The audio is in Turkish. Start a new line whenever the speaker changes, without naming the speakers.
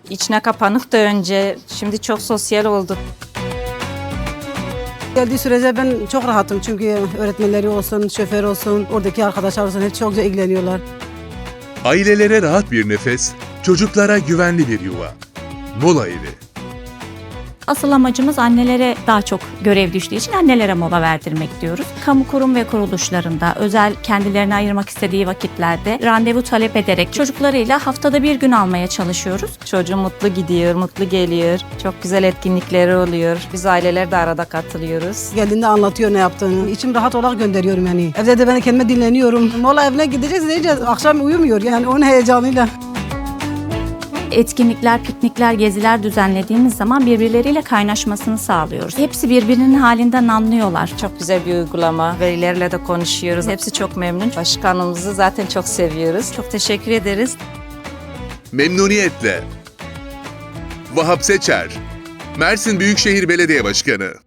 İçine kapanık da önce, şimdi çok sosyal oldu.
Geldiği sürece ben çok rahatım çünkü öğretmenleri olsun, şoför olsun, oradaki arkadaşlar olsun hep çok güzel ilgileniyorlar.
Ailelere rahat bir nefes, çocuklara güvenli bir yuva. Mola Evi.
Asıl amacımız annelere daha çok görev düştüğü için annelere mola verdirmek diyoruz. Kamu kurum ve kuruluşlarında özel kendilerine ayırmak istediği vakitlerde randevu talep ederek çocuklarıyla haftada bir gün almaya çalışıyoruz.
Çocuğum mutlu gidiyor, mutlu geliyor. Çok güzel etkinlikleri oluyor. Biz aileler de arada katılıyoruz.
Geldiğinde anlatıyor ne yaptığını. İçim rahat olarak gönderiyorum yani. Evde de ben kendime dinleniyorum. Mola evine gideceğiz diyeceğiz. Akşam uyumuyor yani onun heyecanıyla.
Etkinlikler, piknikler, geziler düzenlediğimiz zaman birbirleriyle kaynaşmasını sağlıyoruz. Hepsi birbirinin halinden anlıyorlar.
Çok güzel bir uygulama. Velilerle de konuşuyoruz. Hepsi çok memnun. Başkanımızı zaten çok seviyoruz. Çok teşekkür ederiz.
Memnuniyetle. Vahap Seçer, Mersin Büyükşehir Belediye Başkanı.